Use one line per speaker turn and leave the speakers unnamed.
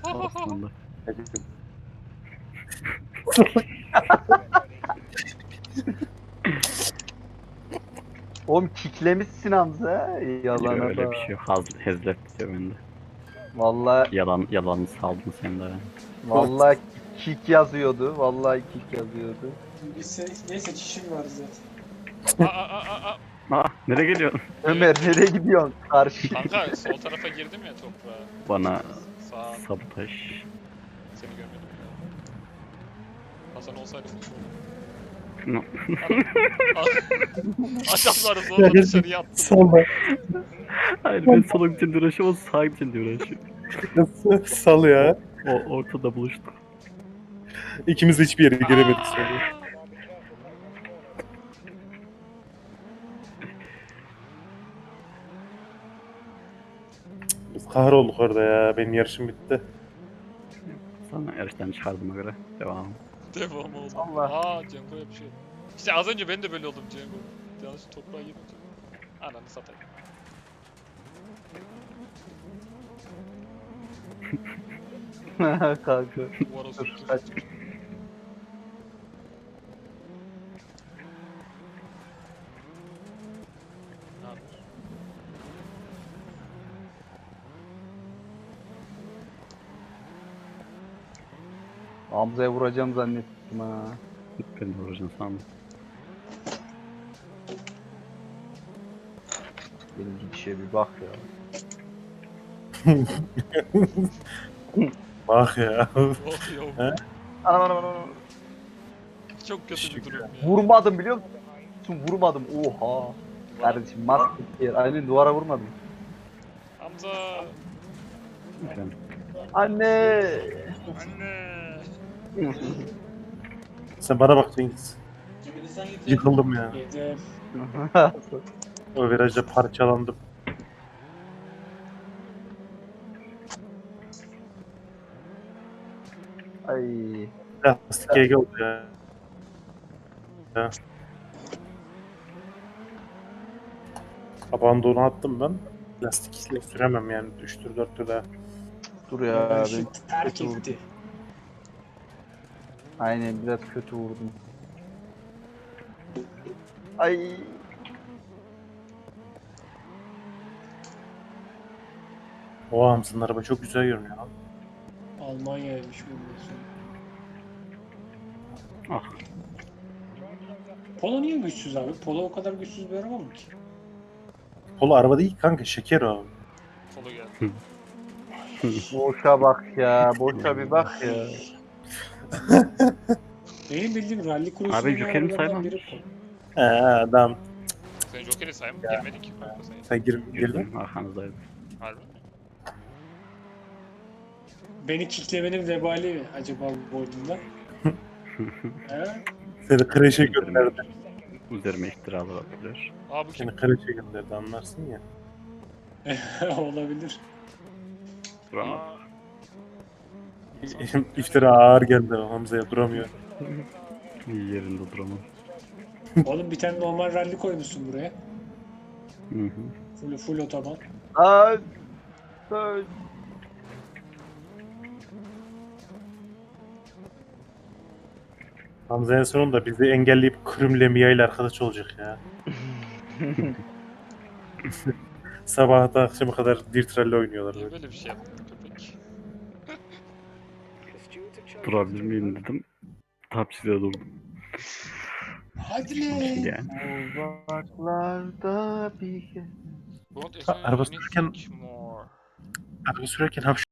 Aslında.
Oğlum kicklemişsin Hamza.
Yok
Yalana
öyle
bak.
bir şey yok. Hezlet diyor bende.
Vallahi
Yalanı saldın sen de.
vallahi kick yazıyordu. Vallahi kick yazıyordu.
Neyse çişim var zaten.
Nereye geliyorsun?
Ömer nereye gidiyorsun? Karşı.
Kanka sol tarafa girdim ya toprağa.
Bana
Sağ
sabotaj.
seni görmedim ya. Hasan olsaydı
No.
adamları zorla dışarıya attım.
Salla.
Hayır ben sola gidince uğraşıyorum, o sağa gidince uğraşıyor.
Nasıl? Sal ya.
O ortada buluştuk.
İkimiz de hiçbir yere giremedik sonra. Biz kahrolduk orada ya. Benim yarışım bitti.
Sana yarıştan çıkardığıma göre devam.
Devam oldu.
Allah.
Cengo'ya bir şey oldu. İşte az önce ben de böyle oldum Cengo. Yanlış toprağa girince. Ananı satayım.
Kanka.
Duvara
Dur
sürttüm.
kaç.
Ne yapıyorsun?
Hamza'ya vuracağım zannettim ha.
Ben de vuracağım sandım.
Benim gidişe bir bak ya.
Bak ya.
Oh yo.
He?
Anam anam anam.
Çok kötü bir durum ya.
Vurmadım biliyor musun? Vurmadım. Oha. Kardeşim maske yer. Aynen duvara vurmadım.
Hamza.
Ben
Anne.
Anne.
Sen bana bak Cengiz. Yıkıldım ya.
Yedim.
O virajda parçalandım.
Ay.
Lastik GG oldu ya. Abandonu attım ben. Lastikle süremem yani. 3'tür 4'tür daha.
Dur ya. Ben
Şu terk
kötü vurdum.
etti.
Aynen biraz kötü vurdum. Ay.
O Hamza'nın araba çok güzel görünüyor lan.
Almanya'ymış bundan sonra.
ah
Polo niye güçsüz abi? Polo o kadar güçsüz bir araba mı ki?
Polo araba değil kanka, şeker o.
Solu geldi.
Boşa bak ya. Boşa bir bak ya.
Benim bildiğim rally
Abi,
cruise'un
Joker'imi
arabalardan
saymam.
biri Polo.
Adam.
Sen Joker'i sayma girmedin ki kanka sen.
Sen girdin.
girdim arkanızdaydım.
Harbi mi?
Beni kicklemenin vebali mi acaba bu boynunda? He?
Seni kreşe gönderdi.
Üzerime iftiralar atılıyor.
Aa bu kim?
Seni kreşe gönderdi, anlarsın ya.
Olabilir.
Duramadım.
Aa,
İftira ağır geldi Hamza'ya, duramıyor.
Yerinde duramam.
Oğlum bir tane normal rally koymuşsun buraya.
Hı hı.
Full otoban.
Ay. Ay.
Hamza en sonunda bizi engelleyip Kırım'la Mia ile arkadaş olacak ya. Sabahta akşama kadar Dirt Rally oynuyorlar
niye
böyle.
böyle bir şey yaptın köpek?
Durabilir miyim dedim. Tapçıda durdum.
Hadi lan.
Yani.
Uzaklarda bir
Don't
Araba
assume
sürerken-
anything more.
Araba sürerken